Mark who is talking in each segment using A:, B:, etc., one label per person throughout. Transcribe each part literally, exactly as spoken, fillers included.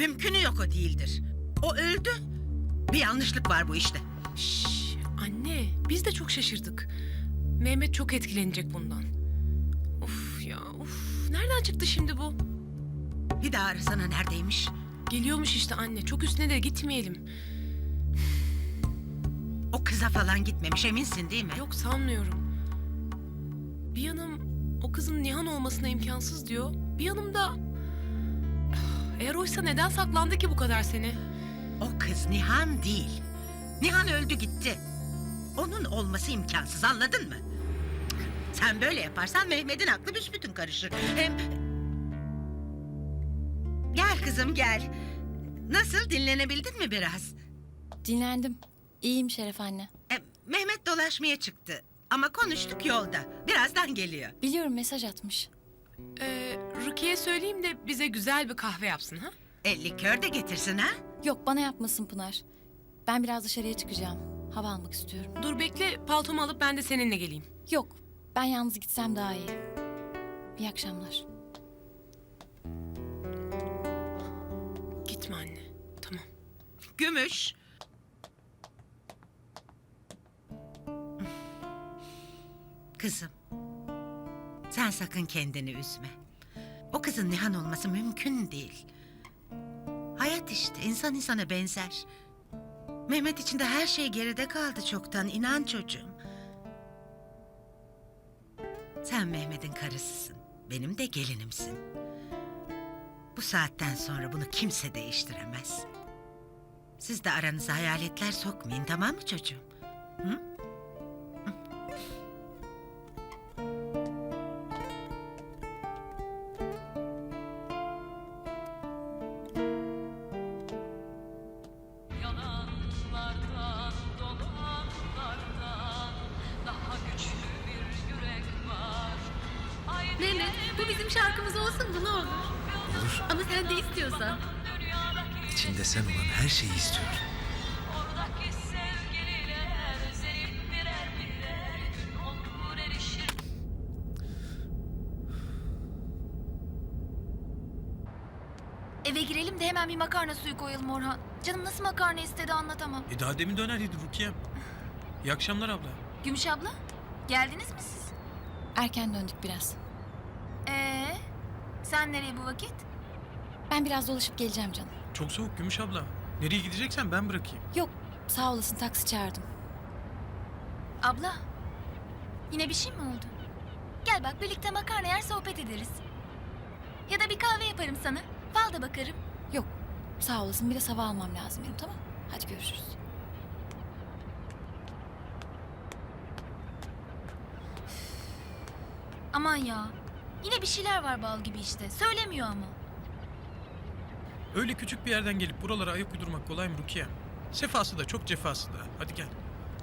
A: Mümkünü yok, o değildir. O öldü. Bir yanlışlık var bu işte.
B: Şşş, anne, biz de çok şaşırdık. Mehmet çok etkilenecek bundan. Of ya, of. Nereden çıktı şimdi bu?
A: Bir daha arasana, neredeymiş?
B: Geliyormuş işte anne. Çok üstüne de gitmeyelim.
A: O kıza falan gitmemiş, eminsin değil mi?
B: Yok, sanmıyorum. Bir yanım o kızın Nihan olmasına imkansız diyor. Bir yanım da... Eğer oysa neden saklandı ki bu kadar sene?
A: O kız Nihan değil. Nihan öldü gitti. Onun olması imkansız, anladın mı? Sen böyle yaparsan Mehmet'in aklı büsbütün karışır. Hem... Gel kızım gel. Nasıl, dinlenebildin mi biraz?
C: Dinlendim. İyiyim Şeref anne.
A: E, Mehmet dolaşmaya çıktı. Ama konuştuk yolda. Birazdan geliyor.
C: Biliyorum, mesaj atmış.
B: Ee, Rukiye söyleyeyim de bize güzel bir kahve yapsın ha?
A: E, likör de getirsin ha?
C: Yok, bana yapmasın Pınar. Ben biraz dışarıya çıkacağım. Hava almak istiyorum.
B: Dur bekle, paltomu alıp ben de seninle geleyim.
C: Yok, ben yalnız gitsem daha iyi. İyi akşamlar.
B: Gitme anne, tamam.
A: Gümüş. Kızım. Sen sakın kendini üzme. O kızın Nihan olması mümkün değil. Hayat işte, insan insana benzer. Mehmet için de her şey geride kaldı çoktan, inan çocuğum. Sen Mehmet'in karısısın, benim de gelinimsin. Bu saatten sonra bunu kimse değiştiremez. Siz de aranıza hayaletler sokmayın, tamam mı çocuğum? Hı?
D: Yalanlardan, dolanlardan daha güçlü bir yürek var. Haydi
E: Mehmet, bu bizim şarkımız olsun mu, ne olur?
F: Olur.
E: Ama sen de istiyorsan.
D: dünyadaki
F: İçinde sen olan her şeyi istiyorum.
D: oradaki sevgililer senin birer birer gün olur erişir.
G: Eve girelim de hemen bir makarna suyu koyalım Orhan. Canım nasıl makarna istedi anlatamam.
H: E daha demin döner yedi Rukiye'm. İyi akşamlar abla.
G: Gümüş abla, geldiniz mi siz?
C: Erken döndük biraz.
G: Ee, sen nereye bu vakit?
C: Ben biraz dolaşıp geleceğim canım.
H: Çok soğuk Gümüş abla. Nereye gideceksen ben bırakayım.
C: Yok, sağ olasın, taksi çağırdım.
G: Abla, yine bir şey mi oldu? Gel bak, birlikte makarna yer sohbet ederiz. Ya da bir kahve yaparım sana. Fal da bakarım.
C: Yok, sağ olasın, biraz hava almam lazım benim, tamam? Hadi görüşürüz.
G: Aman ya, yine bir şeyler var bal gibi işte. Söylemiyor ama.
H: Öyle küçük bir yerden gelip buralara ayak uydurmak kolay mı Rukiye? Sefası da çok cefası da. Hadi gel.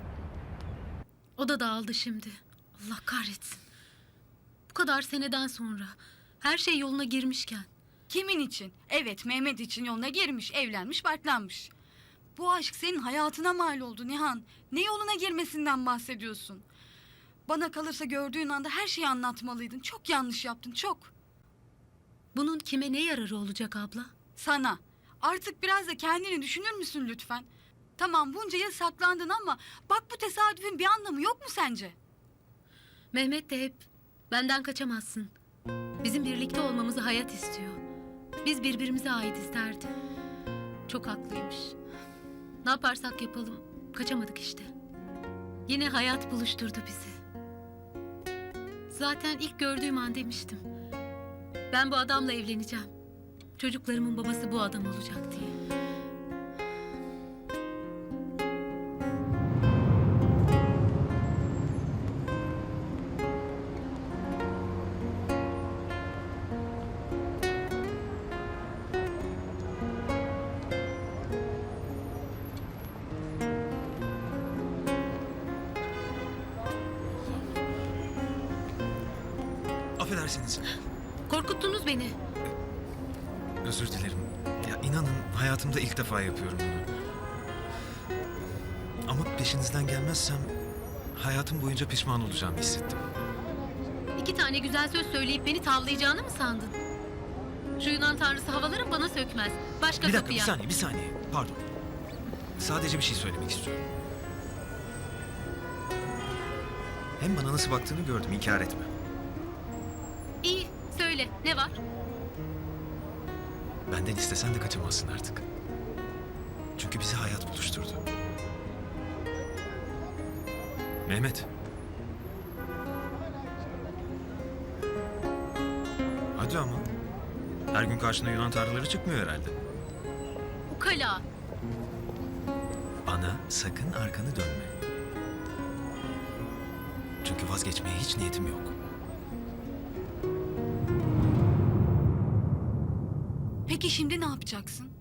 E: O da dağıldı şimdi. Allah kahretsin. Bu kadar seneden sonra her şey yoluna girmişken.
I: Kimin için? Evet, Mehmet için yoluna girmiş, evlenmiş, barklanmış. Bu aşk senin hayatına mal oldu Nihan. Ne yoluna girmesinden bahsediyorsun? Bana kalırsa gördüğün anda her şeyi anlatmalıydın. Çok yanlış yaptın, çok.
E: Bunun kime ne yararı olacak abla?
I: Sana. Artık biraz da kendini düşünür müsün lütfen? Tamam, bunca yıl saklandın ama bak bu tesadüfün bir anlamı yok mu sence?
E: Mehmet de hep benden kaçamazsın. Bizim birlikte olmamızı hayat istiyor. Biz birbirimize ait derdi. Çok haklıymış. Ne yaparsak yapalım kaçamadık işte. Yine hayat buluşturdu bizi. Zaten ilk gördüğüm an demiştim. Ben bu adamla evleneceğim. Çocuklarımın babası bu adam olacak diye.
F: Affedersiniz.
E: Korkuttunuz beni.
F: Özür dilerim. Ya inanın hayatımda ilk defa yapıyorum bunu. Ama peşinizden gelmezsem hayatım boyunca pişman olacağımı hissettim.
E: İki tane güzel söz söyleyip beni tavlayacağını mı sandın? Şu Yunan tanrısı havaların bana söktü. sökmez. Başka
F: Bir dakika,
E: kapıya.
F: bir saniye, bir saniye. Pardon. Sadece bir şey söylemek istiyorum. Hem bana nasıl baktığını gördüm, inkar etme.
E: İyi, söyle. Ne var?
F: Benden istesen de kaçamazsın artık. Çünkü bizi hayat buluşturdu. Mehmet. Hadi ama. Her gün karşına Yunan tanrıları çıkmıyor herhalde.
E: Ukala.
F: Bana sakın arkanı dönme. Çünkü vazgeçmeye hiç niyetim yok.
I: Peki şimdi ne yapacaksın?